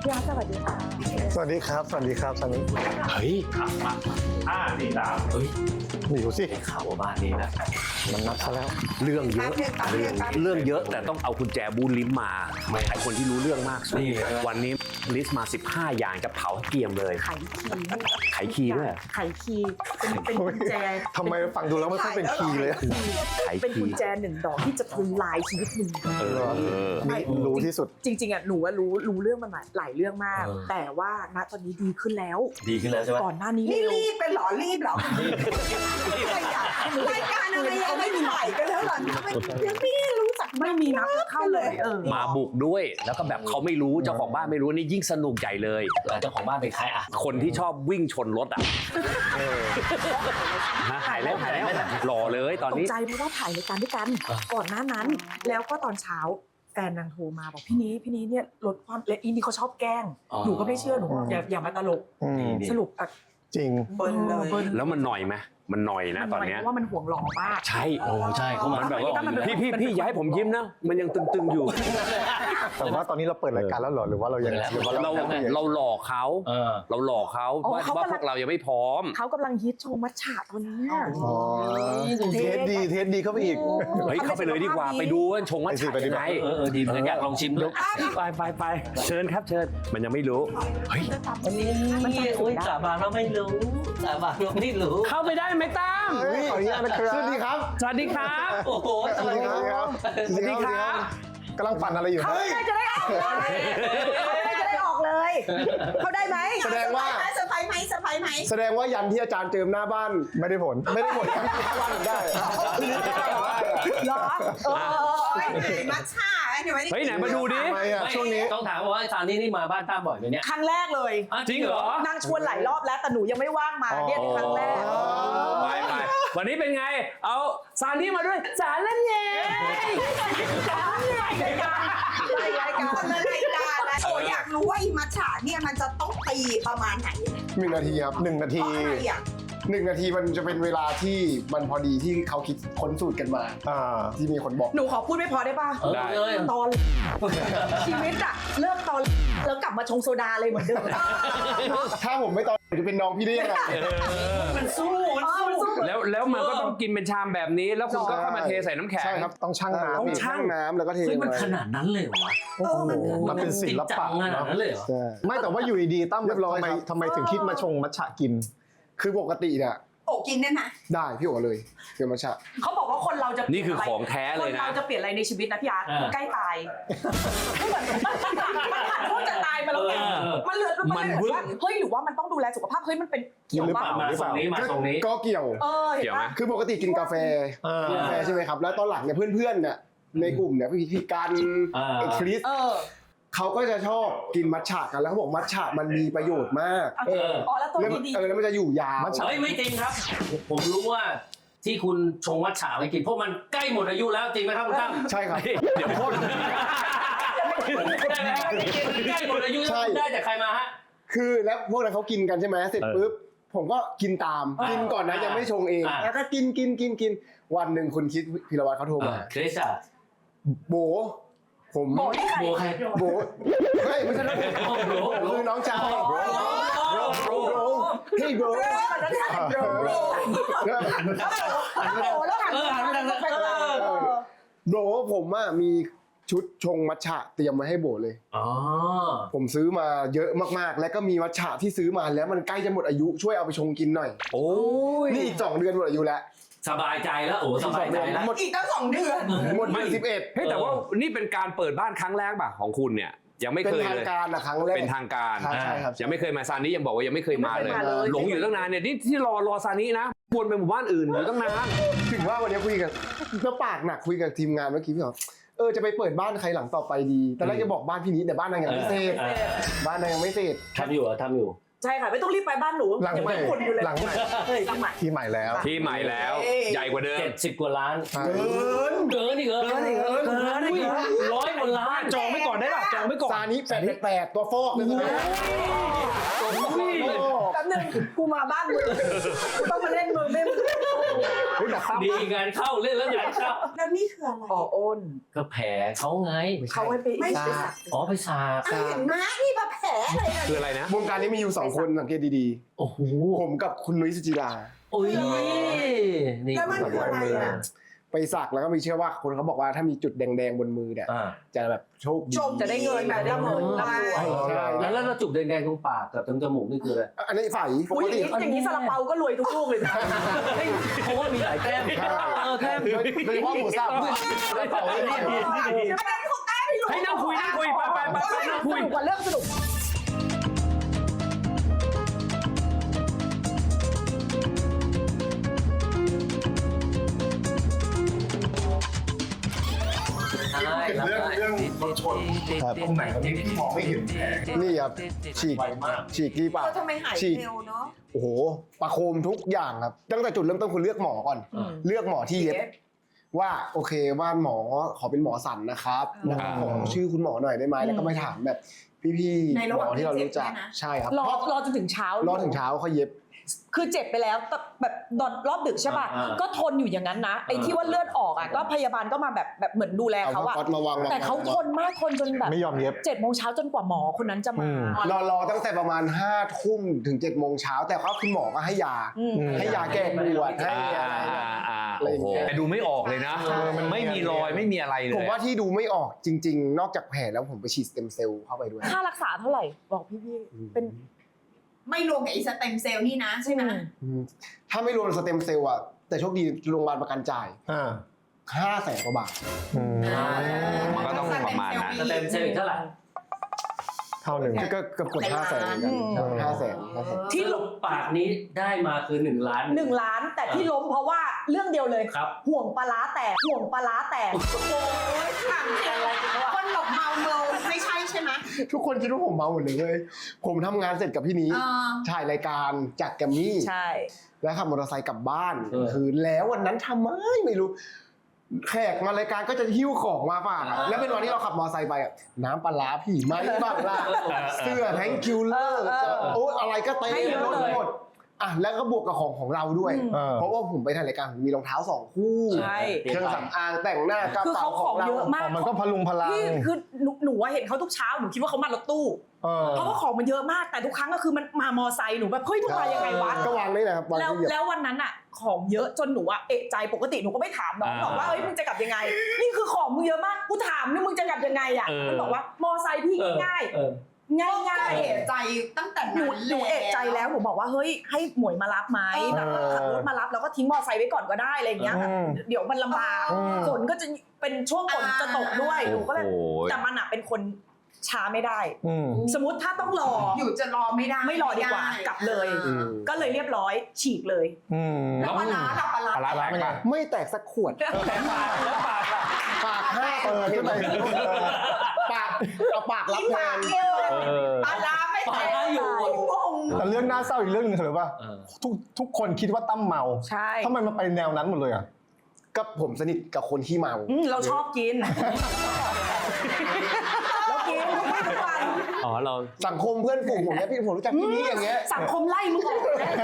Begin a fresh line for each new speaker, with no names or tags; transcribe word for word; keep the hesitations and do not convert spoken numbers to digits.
พี่อาร์ตสวัสดีค่ะ
สวัสดีครับสวัสดีครับสวัสดี
เฮ้ยมาห้าสี่สามเฮ้ย
หนิวสิ
ข่าวบ้านนี้นะ
มันนัดซะแล้ว
เรื่องเยอะเรื่องเรื่องเยอะแต่ต้องเอากุญแจบูนลิ้มมาไอคนที่รู้เรื่องมากสุดวันนี้ลิสต์มาสิบห้าอย่างกับเผาเกียมเลย
ไขคีย์
ไขคีย์ด้วย
ไขคีย์เป็นเป็นกุญแจ
ทำไมฟังดูแล้วไม่ค่อยเป็นคีย์เลย
ไข
เป็น
คี
กุญ
ย์
แจหนึ่งดอกที่จะทำลายชีวิตหนึ่ง
เออ
นี่รู้ที่สุด
จริงๆอ่ะหนูว่ารู้รู้เรื่องมันหลายเรื่องมาก
เออ
แต่ว่าณตอนนี้ดีขึ้นแล้ว
ดีขึ้นแล้วใช่ไหม
ก่อนหน้านี้
นี่
เร็ว
รีบเป็นหรอรีบหรอรายการอะไรยังไม่ถ่ายกันแล้วหรอยังไม่รู้จัก
ไม่มีนับเข้าเลยเออ
มาบุกด้วยแล้วก็แบบเขาไม่รู้เจ้าของบ้านไม่รู้นี่ยิ่งสนุกใหญ่เลยเจ้าของบ้านเป็นใครอ่ะคนที่ชอบวิ่งชนรถอ่ะหายแล้วหายแล้วหล่อเลยตอน
ตก
นี้
ใจเพราะว่าถ่ายรายการด้วยกันก่อนหน้านั้น แล้วก็ตอนเช้าแฟนนางโทรมาบอกพี่นี้พี่นี้เนี่ยลดความและอีนี่เขาชอบแกล้งหนูก็ไม่เชื่อหนูบอกอย่าอย่ามาตลก
อืม
สรุปอ่ะ
จริง
เบิ้ลเลย
แล้วมันหน่อยไหมมันหน่อยนะตอนเนี้ย
เพราะว่ามันห่วงหล่อมาก
ใช่โอ้ใช่เขามันแบบว่า
มันเป็น
พี่พี่พี่อย่าให้ผมยิ้มนะมันยังตึงๆอยู่
แต่ว่าตอนนี้เราเปิดรายการแล้วเหรอหรือว่าเรายังหรือว่า
เรา
เรา
เราหลอกเขาเราหลอกเขาว่าว่าพวกเรายังไม่พร้อม
เขากำลังฮิตโชว์มัทฉะตอนนี้
อ๋อเทสดีเทสดีเข้าไปอีก
เฮ้ยเข้าไปเลยดีกว่าไปดูว่าชงว่า
ไปสิ
ฉะ
ไปดิ
ยังไงเออเออดีเหมือนกันอยากลองชิมด้วยไปไปไปเชิญครับเชิญมันยังไม่รู้เฮ้ย
มันจะ
โอ้ยสาบานเราไม่รู้สาบานเราไม่รู้
เข้าไปได้ไหมตั้ม
เฮ้ยขออนุญาตนะครับสวัสดีครับ
สวัสดีครับ
โอ้โห
สวัสดีครับ
สวัสดีครับ
กำลังปั่นอะไรอยู่
เขาได้จะได้ออกเลยจะได้ออกเลย เขาได้ไหม
แสดงว่า
เซอร์ไพรส์ไหมเซอร์ไพรส์ไหม
แสดงว่ายันที่อาจารย์เจิมหน้าบ้านไม่ได้ผลไม่ได้ผลหน้าบ้านได้
เหรอเออ
มัทฉะเดี๋ยว
เฮ้ยไหนมาดูดิ
ทำไมอ่ะช่วงนี้
ต้องถามว่าอาจารย์นี่นี่มาบ้านตั้มบ่อยไหมเนี่ย
ครั้งแรกเลย
จริงเหรอ
นางชวนหลายรอบแล้วแต่หนูยังไม่ว่างมาเนี่ยครั้งแรก
ไปไปวันนี้เป็นไงเอาซานนี่มาด้วยสารละเนย
รายการรายการคนละรายการนะโอ้อยากรู้ว่าอีมัทฉะเนี่ยมันจะต้องตีประมาณไหน
หนึ่งนาทีครับหนึ่งนา
เพ
ที
ราะอะไรอ่ะ
หนึ่งนาทีมันจะเป็นเวลาที่มันพอดีที่เขาคิดค้นสูตรกันมาอ่าที่มีคนบอก
หนูขอพูดไม่พอได้ป่ะ
ได้
เลย
ตอนชีวิตอะเลิกตอนแล้วกลับมาชงโซดาเลยเหมือนเดิม
ถ้าผมไม่ตอนจะเป็นน้องพี่ได้ยังไง
มันสู้มันสู้
แล้วแล้วมันก็ต้องกินเป็นชามแบบนี้ แล้วคุณก็เข้ามาเทใส่น้ำแข็ง
ใช่ครับต้องชั่งน้ำ
ต้องชั่ง
น้ำแล้วก็เท
เฮ้ย
ลง
มัน
ไป
ขนาดนั้นเลยเหรอวะ
โอ้โหมันเป็นศิลปะ
จริงจังขนาดนั้นเลยเหรอ
ใช่ไม่แต่ว่าอยู่ดีๆตั้ม
เรียบร้อย
ทำไม
ครับ
ทำไมถึงคิดมาชงมัทฉะกิน คือปกติเนี่ย
โอ้กินได้ไหม
ได้พี่โอเลยเกี่ยวมัทฉะ
เขาบอกว่าคนเราจะ
นี่คือของแท้เลย
คน
นะ
เราจะเปลี่ยนอะไรในชีวิตนะพี่อาร์ต
อ่า
ใกล้ตายไม่เหมือนมันผ่านช่วงจะตายมาแล้วไง
เออ
มันเหลือ
มั
มัน
น
เห
วึ
ลือบ ว่าเฮ้ยหรือว่ามันต้องดูแลสุขภาพเฮ้ยมันเป็นเกี่ยว
หรือ
ว่า
เปล่า
มาตรงนี้มาตรงนี้
ก็เกี่ยว
เออเห็
เกี่
น
ยวไหม
ปะ
คือปกติกินกาแฟกาแฟใช่ไหมครับ แล้วตอนหลังเนี่ยเพื่อนๆเนี่ยในกลุ่มเนี่ยพี่พี่กัน
อ่า
ไอ้คริส
เออ
เขาก็จะชอบกินมัทฉะกันแล้วเขาบอกมัทฉะมันมีประโยชน์มาก
เอออ๋อแล้วตัว
แล้ว
นี้ดี
เออแล้วมันจะอยู่ยาว
เฮ้ยไม่จริงครับ ผมรู้ว่าที่คุณชงมัทฉะไปกินเพราะมันใกล้หมดอายุแล้วจริงไหมครับคุณตั้ม
ใช่ครับ
เดี๋ยวโทษ
ใกล้หมดอายุแล้วได้จากใครมาฮะ
คือแล้วพวกนั้นเขากินกันใช่ไหมเสร็จปุ๊บผมก็กินตาม
อ่ากิ
กินก่อนนะยังไม่ชงเอง
อ่า
แล้วก็กินกินกินกินวันหนึ่งคุณคิดพิรวัตรเขาโทรมา
คริสอะ
โบผม
โบนี่ใคร
โบใคร
โบเฮ้ยไม่ใช่น้องโบ
โบ
คือน้องชายโบโบโบเฮ้ยโบ
มันจะถ่ายโดร
แล้ว
โอ้แล้วหัน
เออหันไปทางนั้น
ไปทางนั้น
เออ
โบผมอ่ะมีชุดชงมัทฉะเตรียมไว้ให้โบเลย
อ๋อ
ผมซื้อมาเยอะมากๆ และก็มีมัทฉะที่ซื้อมาแล้วมันใกล้จะหมดอายุช่วยเอาไปชงกินหน่อย
โอ้ย
นี่อีกสองเดือนหมดอายุแล้ว
สบายใจแล้วโอ้สบายใจแล้ว
หมด
อีกตั้งสองเดือน
หมดเดือนสิบเอ็ด
เฮ้ยแต่ว่านี่เป็นการเปิดบ้านครั้งแรกป่ะของคุณเนี่ยยังไม่
เป็น
เคย
ทาง
เลย
การอะครั้งแรก
เป็นทางการ
ใช่ใช่ครับ
ยังไม่เคยมาซานี้ยังบอกว่ายังไม่เคยมาเลย
ไม่เคยมาเลย
หลงอยู่ตั้งนานเนี่ยนี่ที่รอรอซานี้นะวนไปหมู่บ้านอื่นอยู่ตั้งนาน
ถึงว่าวันนี้คุยกันก็ปากหนักคุยกับทีมงานเมื่อกี้พี่บอกเออจะไปเปิดบ้านใครหลังต่อไปดีแต่แรกจะบอกบ้านพี่นิดแต่บ้านนางยังไม่เสร็จ
เออ
บ้านนางยังไม่เสร็จ
ทำอยู่เหรอทำอยู่
ใช่ค่ะไม่ต้องรีบไปบ้านหนู
หลังใหม่
ยังไม่ขุดอยู่เลย
หลังใหม่
เฮ้ยหลังใหม่
ที่ใหม่แล้ว
ที่ใหม่แล้ว
เอ้ย
ใหญ่กว่าเดิม
เจ็ดสิบกว่าล้าน
เกิน
เกินอีกเหรอ
เกินอีกเหรอเกินอีกเหรอ
ร้อยกว่าล้าน
จองไว้ก่อนได้ป่ะจองไว้ก่อน
ซานิแปดแปดตัวฟอกเลยใช่ไหมตัวฟอก
แป๊บนึงกูมาบ้านมึงกูต้องมาเล่นมึงไม่มึง
เฮ้ยแต่ตั้ม
ดีงานเข้าเล่นแล้วงานเข้า
แล้วนี่คืออะไร
อ๋ออ้น
ก็แผลเขาไง
เขาให้ไป
ไม่
ไป
ใช่
สัก
อ๋อไปสาบ
อ่ะเห็นไหมนี่ประแผลอะไรอะ
คืออะไรนะ
วงการนี้มีอยู่สองคนสังเกตดี
โอ้โห
ๆผมกับคุณนุ้ยสุจิรา
โอ้ยนี่
แล้วมันคืออะไรอ่ะ
ไปสักแล้วก็มีเชื่อว่าคนเขาบอกว่าถ้ามีจุดแดงๆบนมือเนี่ย
อ่า
จะแบบโชคดี
จม
จะได้เงินแบบได้เงิน
ได้
ร่ำรวย
ใช่
แล้วแล้วจุกแดงๆตรงปากกับตรงจมูกนี่คืออะไร
อันนี้ใส่ป
อุ้ย
ก
อย่าง
ติ
นี้อย่างนี้ซาลาเปาก็รวยทุกลูกเลยนะ
เพราะว่ามีหลายแต้มเออแต้ม
โดยโดยเฉพาะหมูสับ
ได้เปล่าได้เปล่า
อันนั้นเขาแต้ไม่รู้
ให้นั่งคุยนั่งคุยไปไปไปไปนั่ง
ส
คุย
นุกกว่าเรื่องสนุก
ใช่รับได้
เรื่องรถชนตรงไหนที่พี่มองไม่เห็นแผล
นี่ครับฉีกฉีกที่ปาก
เออทำไมหาย
ฉีก
เร็วเนาะ
โอ้โหประโคมทุกอย่างครับตั้งแต่จุดเริ่มต้นคุณเลือกหมอก่อน เลือกหมอที่เย็บว่าโอเคว่าหมอขอเป็นหมอสันนะครับแล้วก็ขอชื่อคุณหมอหน่อยได้ไหมแล้วก็ไปถามแบบพี่ๆหมอที่เรารู้จักใช่ครับ
รอรอจนถึงเช้าร
อถึงเช้าเขาเย็บ
คือเจ็บไปแล้วแต่แบบตอนรอบดึกใช่ป่ะ
อ่า
ก็ทนอยู่อย่างนั้นนะไอ้ที่ว่าเลือดออกอ่ะก็พยาบาลก็มาแบบแบบเหมือนดูแล
เอา
เขา
ผ้า
อะ
ก๊อตมาวาง
แต่เขาทนมากทนจนแบบ
ไม่ยอมเย็บ
เจ็ดโมงเช้าจนกว่าหมอคนนั้นจะมา
รอรอตั้งแต่ประมาณห้าทุ่มถึงเจ็ดโมงเช้าแต่ว่าคุณหมอก็ให้ยา
อืม
ให้ยาแก้ปวดให้
อ่า
อะไรแบบ
อ่า
อะไรอย่างเงี้ย
แต่ดูไม่ออกเลยนะ
เออมัน
ไม่มีรอยไม่มีอะไรเลย
ผมว่าที่ดูไม่ออกจริง ๆ นอกจากแผลแล้วผมไปฉีดสเต็มเซลล์เข้าไปด้วย
ค่ารักษาเท่าไหร่บอกพี่ๆเป็น
ไม่รวมกับไอ้สเต็มเซลล์นี่นะใช่ไหม
อืมถ้าไม่รวมสเต็มเซลล์อะแต่โชคดีโรงพยาบาลประกันจ่าย
อ่า
ห้าแสนกว่าบาท
อืม
มันก็ต้องประมาณนั้น
สเต็มเซลล์อีกเท่าไหร่
เท่าหนึ่ง
ก็เกือบกดห้าแสนเหมือนกันใช่ห้าแสนห้าแสน
ที่ลบปากนี้ได้มาคือหนึ่งล้าน
หนึ่งล้านแต่ที่ล้มเพราะว่าเรื่องเดียวเลย
ครับ
ห่วงปลาร้าแตกห่วงปลาร้าแตก
โอ้ยถามจริงคนหลบเมาเมาไม่ใช่ใช่ไหม
ทุกคนคิดว่าผมเมาหมดเลยเว้ยผมทำงานเสร็จกับพี่นี้
เออ
ถ่ายรายการจากแกรมมี่
ใช่
แล้วขับมอเตอร์ไซค์กลับบ้าน
เออ
คือแล้ววันนั้นทำไมไม่รู้ แขกมารายการก็จะหิ้วของมาฝากอะแล้วเป็นวันที่เราขับมอเตอร์ไซค์ไปอะน้ำปลาร้าผีไหมบ้างล่ะเสื้อแทงคิวเลอร์โอ้อะไรก็เต็มรถหมดอ่ะแล้วก็บวกกับของของเราด้วย
เออ
เพราะว่าผมไปถ่ายรายการผมมีรองเท้าสองคู่
ใช่
เครื่องสำอางแต่งหน้ากระ
คือ
เป๋า
เขา
ข
ข
อ
อง ง
เรา
เยอะมาก
อ๋อมันก็พลุงพลัง
พี่คือหนูหนูอะเห็นเขาทุกเช้าหนูคิดว่าเขามารถตู้
เออ
เพราะว่าของมันเยอะมากแต่ทุกครั้งก็คือมันมามอไซค์หนูแบบเฮ้ยมึงมายังไงวะ
ก็วางนี่แหละครับวาง
แล้ว
ที่เหยียบ
แล้ววันนั้นอะของเยอะจนหนูอะเอะใจปกติหนูก็ไม่ถามน้องหรอกว่าเอ้ยมึงจะกลับยังไง นี่คือของมึงเยอะมากกูถามนี่มึงจะกลับยังไงอะ
เออ
มันบอกว่ามอไซค์พี่
เออ
ง่าย
เออ
ๆง่าย
ก็
ง่าย
เอะใจตั้งแต่
หนู
นั้น
หนูเอะใจแล้วหนูบอกว่าเฮ้ยให้หมวยมารับไหมแบบว่าขับรถมารับแล้วก็ทิ้งมอไซค์ไว้ก่อนก็ได้อะไรอย่างเงี้ยแบบ
อืม
เดี๋ยวมันลำบากฝนก็จะเป็นช่วงฝนจะตกด้วยหนูก็เลย
โอ้โห
แต่มันอะเป็นคนช้าไม่ได้
อืม
สมมติถ้าต้องรอ
อยู่จะรอไม่ได้
ไม่รอดีกว่ากลับเลย
อืม
ก็เลยเรียบร้อยฉีกเลย
อืม
แล้วปลาร้าเราปลาร้า
ปลาร้าเป็นไง
ไม่แตกสักขวด ปากห้าเปิดขึ้นไปปากเอาปากรับแทน
เดียว
เออ
ปลาร้าไม่
ปลา
แตก
ร้าอยู่
งง
แต่เรื่องน่าเศร้าอีกเรื่องหนึงคืออะไรป่ะ
เออ
ทุกทุกคนคิดว่าตั้มเมา
ใช่
ทำไมมันไปแนวนั้นหมดเลยอ่ะ
ก็ผมสนิทกับคนที่เมา
อืมเราชอบกิน เรากินทุกวัน
อ๋อเรา
สังคมเพื่อนฝูงผมเนี่ยพี่ผมรู้จักพี่นี้อย่างเงี้ย
สังคมไล่มึงออกแน่